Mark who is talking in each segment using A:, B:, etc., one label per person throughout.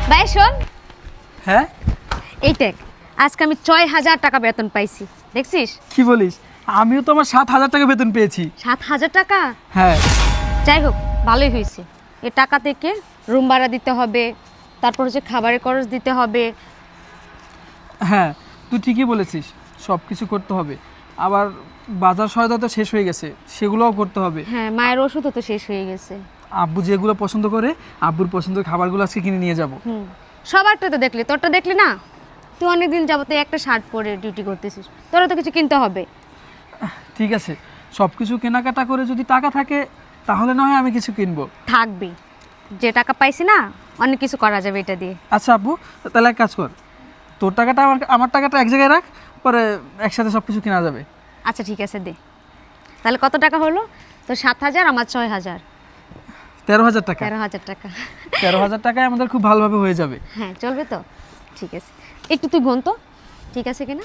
A: ভাই শোন,
B: হ্যাঁ
A: এই দেখ, আজকে আমি 6,000 টাকা বেতন পাইছি, দেখছিস?
B: কি বলিস? আমিও তো আমার 7,000 টাকা বেতন পেয়েছি।
A: 7,000 টাকা?
B: হ্যাঁ
A: যাই হোক, ভালোই হয়েছে। এ টাকা থেকে রুম ভাড়া দিতে হবে, তারপর হচ্ছে খাবারের খরচ দিতে হবে।
B: হ্যাঁ, তুই ঠিকই বলেছিস, সব কিছু করতে হবে। আবার বাজার সয়দা তো শেষ হয়ে গেছে, সেগুলোও করতে হবে।
A: হ্যাঁ, মায়ের ওষুধও তো শেষ হয়ে গেছে।
B: আব্বু যেগুলো পছন্দ করে, আব্বুর পছন্দের খাবারগুলো আজকে কিনে নিয়ে যাব।
A: সবারটা তো দেখলি, তোরটা দেখলি না? তুই অনেকদিন যাবত একটা শার্ট পরে ডিউটি করতেছিস, তোরা তো কিছু কিনতে হবে।
B: ঠিক আছে, সব কিছু কেনাকাটা করে যদি টাকা থাকে তাহলে না হয় আমি কিছু কিনবো।
A: থাকবি, যে টাকা পাইছি না, অনেক কিছু করা যাবে এটা দিয়ে।
B: আচ্ছা আব্বু, তাহলে এক কাজ কর, তোর টাকাটা আমার টাকাটা এক জায়গায় রাখ, পরে একসাথে সব কিছু কেনা যাবে।
A: আচ্ছা ঠিক আছে, দে। তাহলে কত টাকা হলো? তো 7,000, আমার 6,000।
B: 13,000 টাকা।
A: 13,000 টাকা।
B: 13,000 টাকায় আমাদের খুব ভালোভাবে হয়ে যাবে।
A: হ্যাঁ, চলবে তো? ঠিক আছে, একটু তুই গুন তো, ঠিক আছে কিনা।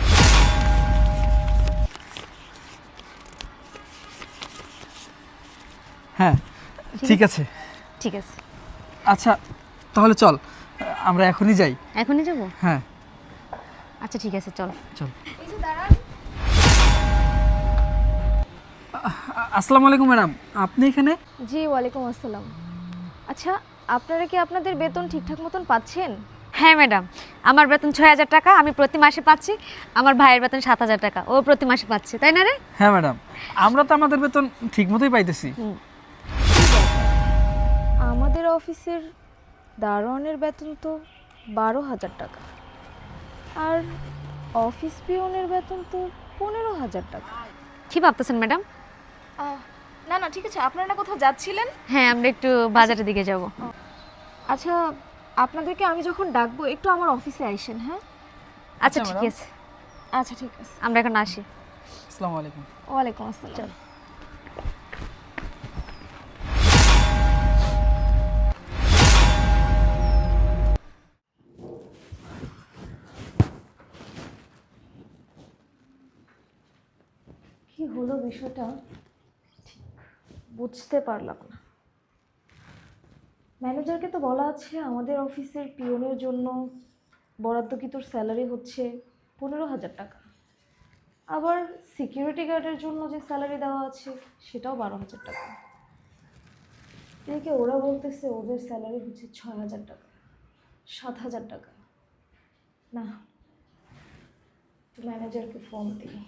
B: হ্যাঁ ঠিক আছে।
A: ঠিক আছে,
B: আচ্ছা তাহলে চল, আমরা এখনই যাই।
A: এখনই যাবো?
B: হ্যাঁ
A: আচ্ছা ঠিক আছে, চল।
B: চল। আসসালামু আলাইকুম ম্যাডাম, আপনি এখানে?
C: জি, ওয়ালাইকুম আসসালাম। আচ্ছা, আপনারা কি আপনাদের বেতন ঠিকঠাক মতন পাচ্ছেন?
A: হ্যাঁ ম্যাডাম, আমার বেতন 6,000 টাকা, আমি প্রতি মাসে পাচ্ছি। আমার ভাইয়ের বেতন 7,000 টাকা, ও প্রতি মাসে পাচ্ছে, তাই না রে?
B: হ্যাঁ ম্যাডাম, আমরা তো আমাদের বেতন ঠিক মতোই পাইতেছি।
C: আমাদের অফিসের দারোয়ানের বেতন তো 12,000 টাকা, আর অফিস পিয়নের বেতন তো 15,000 টাকা।
A: কি ভাবতেছেন ম্যাডাম?
C: না না, ঠিক আছে। আপনারা কোথাও যাচ্ছিলেন?
A: হ্যাঁ, আমরা একটু বাজারের দিকে যাব।
C: আচ্ছা, আপনাদেরকে আমি যখন ডাকবো একটু আমার অফিসে আইসেন, হ্যাঁ?
A: আচ্ছা
B: আচ্ছা,
A: ঠিক
B: ম্যাডাম।
A: আছে,
C: আচ্ছা ঠিক আছে।
A: আমরা এখন আসি।
B: আসসালামু আলাইকুম।
C: ওয়ালাইকুম আসসালাম।
A: চল।
C: কি হলো বিষয়টা ঠিক বুঝতে পারলাম না। ম্যানেজারকে তো বলা আছে আমাদের অফিসের পিয়নের জন্য বরাদ্দকৃত স্যালারি হচ্ছে 15,000 টাকা, আবার সিকিউরিটি গার্ডের জন্য যে স্যালারি দেওয়া আছে সেটাও 12,000 টাকা। এদিকে ওরা বলতেছে ওদের স্যালারি হচ্ছে 6,000 টাকা, 7,000 টাকা। না, ম্যানেজারকে ফোন দিই।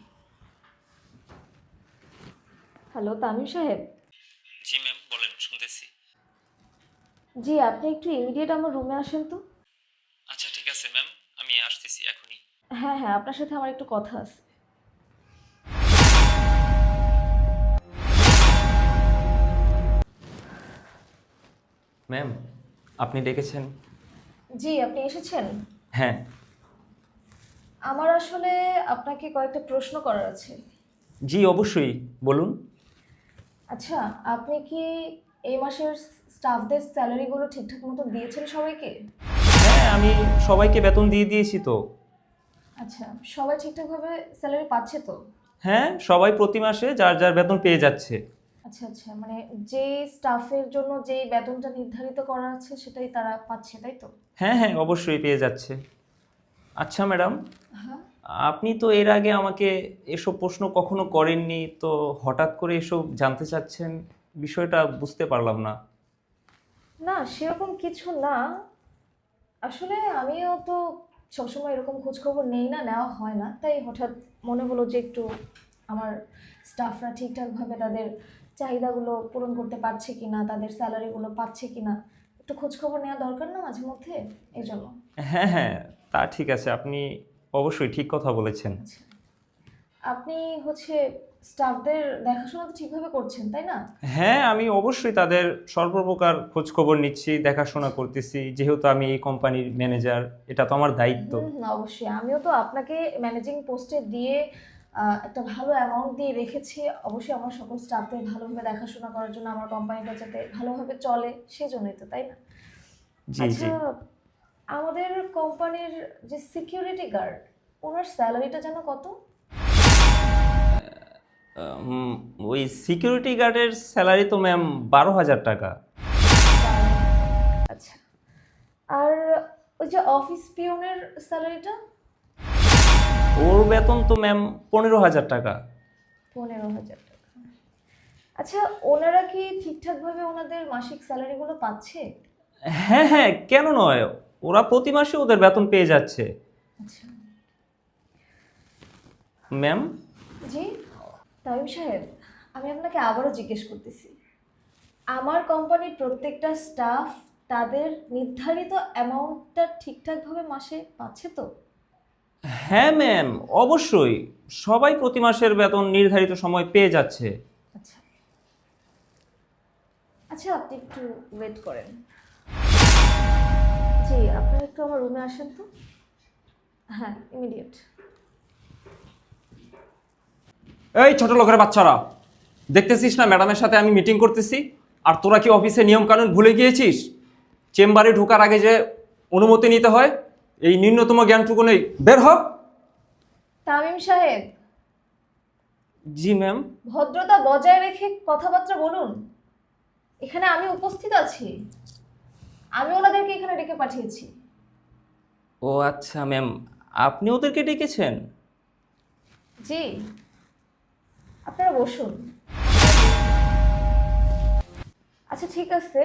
C: হ্যালো তামিম সাহেব।
D: জি ম্যাম, বলেন, শুনতেছি।
C: জি, আপনি একটু ইমিডিয়েট আমার রুমে আসেন তো।
D: আচ্ছা ঠিক আছে ম্যাম, আমি আসতেছি এখনই।
C: হ্যাঁ হ্যাঁ, আপনার সাথে আমার একটু কথা আছে।
D: ম্যাম, আপনি ডেকেছেন?
C: জি, আপনি এসেছেন।
D: হ্যাঁ।
C: আমার আসলে আপনাকে কয়েকটা প্রশ্ন করার আছে।
D: জি অবশ্যই, বলুন।
C: আচ্ছা, আপনি কি এই মাসের স্টাফদের স্যালারিগুলো ঠিকঠাক মতো দিয়েছেন সবাইকে?
D: হ্যাঁ, আমি সবাইকে বেতন দিয়ে দিয়েছি তো।
C: আচ্ছা, সবাই ঠিকঠাকভাবে স্যালারি পাচ্ছে তো?
D: হ্যাঁ, সবাই প্রতি মাসে যার যার বেতন পেয়ে যাচ্ছে।
C: আচ্ছা আচ্ছা, মানে যে স্টাফের জন্য যেই বেতনটা নির্ধারিত করা আছে সেটাই তারা পাচ্ছে, তাই তো?
D: হ্যাঁ হ্যাঁ, অবশ্যই পেয়ে যাচ্ছে। আচ্ছা ম্যাডাম,
C: হ্যাঁ।
D: আপনি তো এর আগে আমাকে এসব প্রশ্ন কখনো করেননি, তো হঠাৎ করে এসব জানতে চাচ্ছেন, বিষয়টা বুঝতে পারলাম না।
C: না, সেরকম কিছু না। আসলে আমিও তো সবসময় এরকম খোঁজ খবর নেই না, নেওয়া হয় না, তাই হঠাৎ মনে হলো যে একটু আমার স্টাফরা ঠিকঠাকভাবে তাদের চাহিদাগুলো পূরণ করতে পারছে কিনা, তাদের স্যালারিগুলো পাচ্ছে কিনা, একটু খোঁজ খবর নেওয়া দরকার না মাঝে মধ্যে, এই জন্য।
D: হ্যাঁ হ্যাঁ, তা ঠিক আছে, আপনি অবশ্যই ঠিক কথা বলেছেন।
C: আচ্ছা, আপনি হচ্ছে স্টাফদের দেখাশোনা তো ঠিকভাবে করছেন, তাই না?
D: হ্যাঁ, আমি অবশ্যই তাদের সর্বপ্রকার খোঁজ খবর নিচ্ছি, দেখাশোনা করতেছি, যেহেতু আমি এই কোম্পানির ম্যানেজার, এটা তো আমার দায়িত্ব।
C: অবশ্যই। আমিও তো আপনাকে ম্যানেজিং পোস্টে দিয়ে একটা ভালো অ্যামাউন্ট দিয়ে রেখেছি, অবশ্যই আমার সকল স্টাফদের ভালোভাবে দেখাশোনা করার জন্য, আমার কোম্পানিটা যাতে ভালোভাবে চলে সেজন্যই তো, তাই না?
D: জি
C: আচ্ছা,
D: জি।
C: আমাদের কোম্পানির যে সিকিউরিটি গার্ড, ওনার স্যালারিটা যেন কত?
D: ওই সিকিউরিটি গার্ডের স্যালারি তো ম্যাম 12,000 টাকা।
C: আচ্ছা, আর ওই যে অফিস পিয়নের স্যালারিটা?
D: ওর বেতন তো ম্যাম 15,000 টাকা।
C: 15,000 টাকা। আচ্ছা, ওনারা কি ঠিকঠাকভাবে ওনাদের মাসিক স্যালারিগুলো পাচ্ছে?
D: হ্যাঁ হ্যাঁ, কেন নয়, ওরা প্রতি মাসে ওদের বেতন পেয়ে যাচ্ছে।
C: আচ্ছা।
D: ম্যাম,
C: জি তামিম সাহেব, আমি আপনাকে আবারও জিজ্ঞেস করতেছি, আমার কোম্পানির প্রত্যেকটা স্টাফ তাদের নির্ধারিত অ্যামাউন্টটা ঠিকঠাকভাবে মাসে পাচ্ছে তো?
D: হ্যাঁ ম্যাম, অবশ্যই সবাই প্রতি মাসের বেতন নির্ধারিত সময় পেয়ে যাচ্ছে।
C: আচ্ছা আচ্ছা, আপনি একটু ওয়েট করেন। জি, আপনারা একটু আমার রুমে আসেন তো। হ্যাঁ, ইমিডিয়েট।
E: এই ছোট লোকের বাচ্চারা, দেখতেছিস না ম্যাডামের সাথে আমি মিটিং করতেছি, আর তোরা কি অফিসে নিয়ম কানুন ভুলে গিয়েছিস? চেম্বারে ঢোকার আগে যে অনুমতি নিতে হয়, এই ন্যূনতম জ্ঞানটুকু নেই। বের হ।
C: তামিম সাহেব,
D: জি ম্যাম।
C: ভদ্রতা বজায় রেখে কথাবার্তা বলুন। এখানে আমি উপস্থিত আছি, আমি ওনাদেরকে এখানে ডেকে পাঠিয়েছি।
D: ও আচ্ছা ম্যাম, আপনি ওদেরকে ডেকেছেন?
C: জি, আপনারা বসুন। আচ্ছা ঠিক আছে,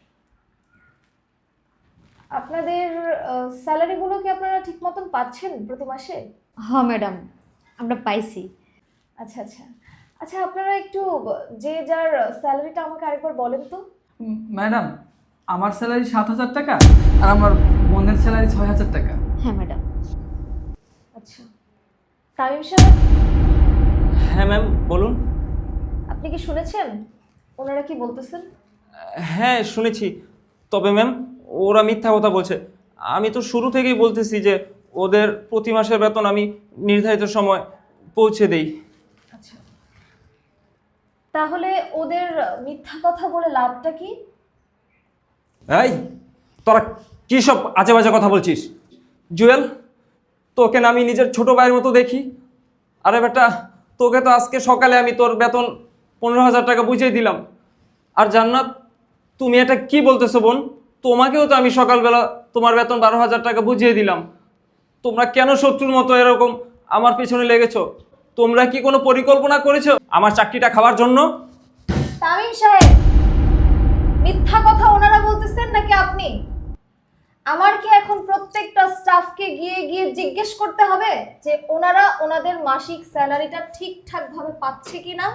C: আপনাদের স্যালারিগুলো কি আপনারা ঠিক মতন পাচ্ছেন প্রতি মাসে?
A: হ্যাঁ ম্যাডাম, আমরা পাইছি।
C: আচ্ছা আচ্ছা আচ্ছা, আপনারা একটু যে যার স্যালারিটা আমাকে আরেকবার বলেন তো।
B: ম্যাডাম, আমার স্যালারি 7,000 টাকা আর আমার বোনের স্যালারি 6,000 টাকা।
A: হ্যাঁ ম্যাডাম।
C: আচ্ছা, তামিম সাহেব,
D: হ্যাঁ ম্যাম, বলুন।
C: আপনি কি শুনেছেন ওনারা কি বলতেছেন?
D: হ্যাঁ শুনেছি, তবে ম্যাম ওরা মিথ্যা কথা বলছে। আমি তো শুরু থেকেই বলতেছি যে ওদের প্রতি মাসের বেতন আমি নির্ধারিত সময় পৌঁছে দেই।
C: আচ্ছা, তাহলে ওদের মিথ্যা কথা বলে লাভটা কি?
E: এই তোরা কি সব আজে বাজে কথা বলছিস?
D: জুয়েল, তোকে না আমি নিজের ছোট ভাইয়ের মতো দেখি। আরে বেটা, তোকে তো আজকে সকালে আমি তোর বেতন 15,000 টাকা বুঝিয়ে দিলাম। আর জান্নাত, তুমি এটা কি বলতেছো বোন? তোমাকেও তো আমি সকালবেলা তোমার বেতন 12,000 টাকা বুঝিয়ে দিলাম। তোমরা কেন শত্রুর মতো এরকম আমার পেছনে লেগেছো? তোমরা কি কোনো পরিকল্পনা করেছো আমার চাকরিটা খাওয়ার জন্য?
C: তামিম সাহেব, মিথ্যা কথা ওনারা বলতেছেন নাকি আপনি? আমার কি এখন প্রত্যেকটা স্টাফকে গিয়ে গিয়ে জিজ্ঞেস করতে হবে যে ওনারা ওনাদের মাসিক স্যালারিটা ঠিকঠাক ভাবে পাচ্ছে কিনা?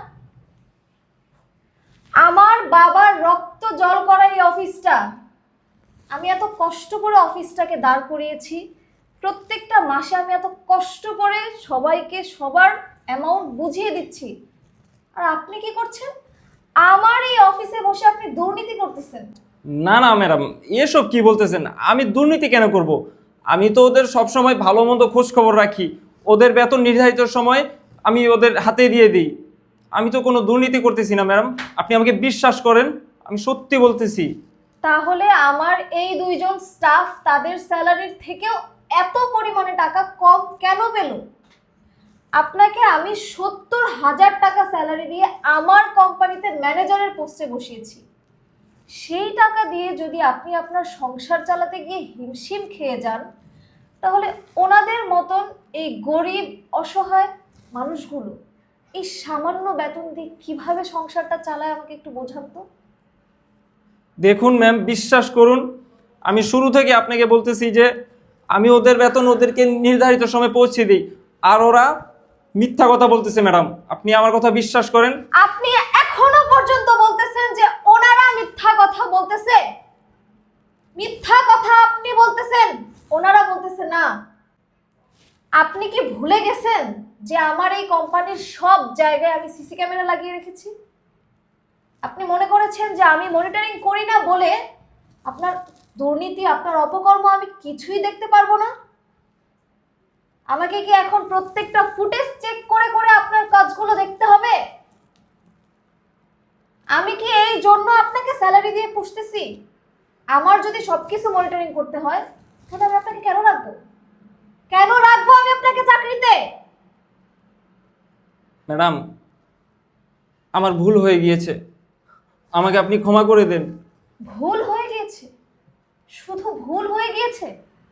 C: আমার বাবার রক্ত জল করা এই অফিসটা, আমি এত কষ্ট করে অফিসটাকে দাঁড় করিয়েছি, প্রত্যেকটা মাসে আমি এত কষ্ট করে সবাইকে সবার অ্যামাউন্ট বুঝিয়ে দিচ্ছি, আর আপনি কি করছেন? আমার এই অফিসে বসে আপনি দুর্নীতি করতেছেন।
D: না না ম্যাডাম, এসব কি বলতেছেন? আমি দুর্নীতি কেন করব? আমি তো ওদের সবসময় ভালো মন্দ খোঁজ খবর রাখি। ওদের বেতন নির্ধারিত সময় আমি ওদের হাতে দিয়ে দিই। আমি তো কোনো দুর্নীতি করতেছি না ম্যাডাম, আপনি আমাকে বিশ্বাস করেন, আমি সত্যি বলতেছি।
C: তাহলে আমার এই দুইজন স্টাফ তাদের স্যালারির থেকেও এত পরিমাণে টাকা কম কেন পেল? আপনাকে আমি 70,000 টাকা স্যালারি দিয়ে আমার কোম্পানিতে ম্যানেজারের পোস্টে বসিয়েছি। সেই টাকা দিয়ে যদি আপনি আপনার সংসার চালাতে গিয়ে হিমশিম খেয়ে যান, তাহলে ওনাদের মতন এই গরিব অসহায় মানুষগুলো এই সামান্য বেতন দিয়ে কিভাবে সংসারটা চালায় আমাকে একটু বোঝান তো।
D: দেখুন ম্যাম, বিশ্বাস করুন, আমি শুরু থেকে আপনাকে বলতেছি যে আমি ওদের বেতন ওদেরকে নির্ধারিত সময় পৌঁছে দিই, আর ওরা মিথ্যা কথা বলতেছে ম্যাডাম, আপনি আমার কথা বিশ্বাস করেন।
C: আপনি এখনো পর্যন্ত বলতেছেন যে ওনারা মিথ্যা কথা বলতেছে? মিথ্যা কথা আপনি বলতেছেন, ওনারা বলতেছে না। আপনি কি ভুলে গেছেন যে আমার এই কোম্পানির সব জায়গায় আমি সিসি ক্যামেরা লাগিয়ে রেখেছি? আপনি মনে করেছেন যে আমি মনিটরিং করি না বলে আপনার দুর্নীতি, আপনার অপকর্ম আমি কিছুই দেখতে পারবো না? আমাকে কি এখন প্রত্যেকটা ফুটেজ চেক করে করে আপনার কাজগুলো দেখতে হবে? আমি কি এই জন্য আপনাকে স্যালারি দিয়ে পুষতেছি? আমার যদি সবকিছু মনিটরিং করতে হয়, তাহলে আমি আপনাকে কেন রাখবো? কেন রাখবো আমি আপনাকে চাকরিতে?
D: ম্যাডাম, আমার ভুল হয়ে গিয়েছে, আমাকে আপনি ক্ষমা করে দেন।
C: ভুল হয়ে গিয়েছে? শুধু ভুল হয়ে গিয়েছে?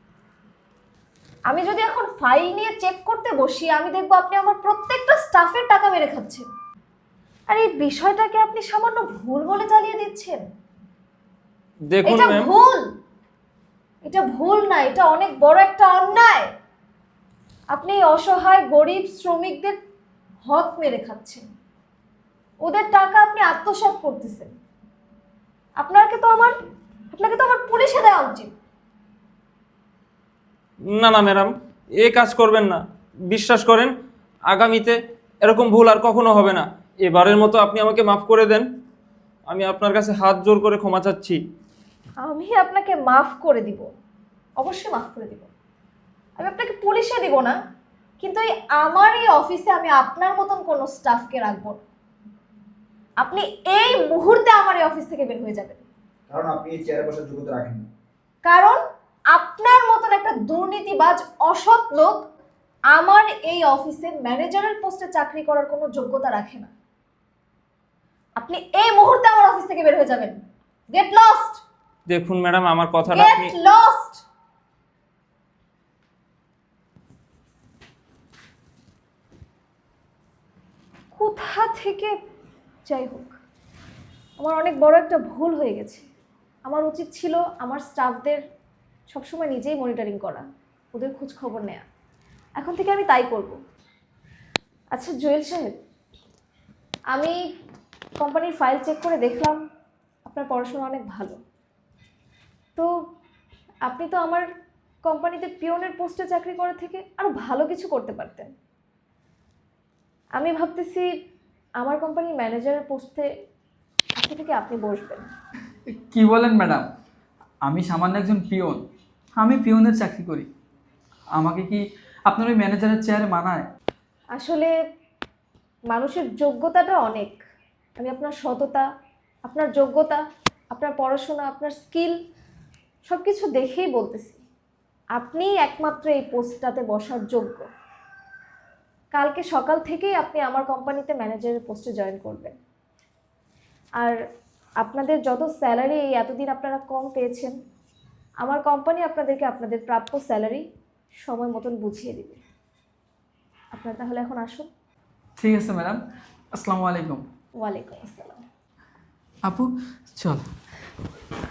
C: আমি যদি এখন ফাইল নিয়ে চেক করতে বসি, আমি দেখবো আপনি আমার প্রত্যেকটা স্টাফের টাকা মেরে খাচ্ছেন। আর এই বিষয়টাকে আপনি সামান্য ভুল বলে চালিয়ে দিচ্ছেন।
D: দেখুন
C: এটা
D: ম্যাম,
C: ভুল, এটা ভুল না, এটা অনেক বড় একটা অন্যায়। আপনি এই অসহায় গরিব শ্রমিকদের হক মেরে খাচ্ছেন, ওদের টাকা আপনি আত্মসাৎ করতেছেন। আপনাকে তো আমার পুলিশে দেওয়া উচিত।
D: না না ম্যাডাম, এ কাজ করবেন না। বিশ্বাস করেন, আগামীতে এরকম ভুল আর কখনো হবে না। এবারের মতো আপনি আমাকে মাফ করে দেন। আমি আপনার কাছে হাত জোর করে ক্ষমা চাচ্ছি।
C: আমি আপনাকে মাফ করে দিব, অবশ্যই মাফ করে দিব। আমি আপনাকে পুলিশে দিব না, কিন্তু আমার এই অফিসে আমি আপনার মতন কোনো স্টাফকে রাখবো না। আপনি এই মুহূর্তে আমার এই অফিস থেকে বের হয়ে যাবেন।
F: কারণ আপনি এই চেয়ারে বসার যোগ্যতা রাখেন না।
C: কারণ আপনার মতন একটা দুর্নীতিবাজ অসৎ লোক আমার এই অফিসে ম্যানেজারের পোস্টে চাকরি করার কোনো যোগ্যতা রাখে না। আপনি এই মুহূর্তে আমার অফিস থেকে বের হয়ে যাবেন। গেট লস্ট,
D: দেখুন ম্যাডাম, আমার কথাটা আপনি
C: গেট লস্ট। কোথা থেকে, যাই হোক, আমার অনেক বড় একটা ভুল হয়ে গেছে। আমার উচিত ছিল আমার স্টাফদের সবসময় নিজেই মনিটরিং করা, ওদের খোঁজ খবর নেওয়া। এখন থেকে আমি তাই করব। আচ্ছা জুয়েল সাহেব, আমি কোম্পানির ফাইল চেক করে দেখলাম আপনার পড়াশোনা অনেক ভালো। তো আপনি তো আমার কোম্পানিতে পিওনের পোস্টে চাকরি করার থেকে আরও ভালো কিছু করতে পারতেন। আমি ভাবতেছি আমার কোম্পানির ম্যানেজারের পোস্টে আজকে থেকে আপনি বসবেন।
B: কি বলেন ম্যাডাম, আমি সামান্য একজন পিওন, আমি পিওনের চাকরি করি। আমাকে কি আপনার ওই ম্যানেজারের চেয়ারে মানায়?
C: আসলে মানুষের যোগ্যতাটা অনেক। আমি আপনার সততা, আপনার যোগ্যতা, আপনার পড়াশোনা, আপনার স্কিল সব কিছু দেখেই বলতেছি আপনিই একমাত্র এই পোস্টটাতে বসার যোগ্য। কালকে সকাল থেকেই আপনি আমার কোম্পানিতে ম্যানেজারের পোস্টে জয়েন করবেন। আর আপনাদের যত স্যালারি এই এতদিন আপনারা কম পেয়েছেন, আমার কোম্পানি আপনাদেরকে আপনাদের প্রাপ্য স্যালারি সময় মতন বুঝিয়ে দেবে। আপনারা তাহলে এখন আসুন।
B: ঠিক আছে ম্যাডাম, আসসালামু আলাইকুম।
C: ওয়ালাইকুম আসসালাম।
B: আপু চল।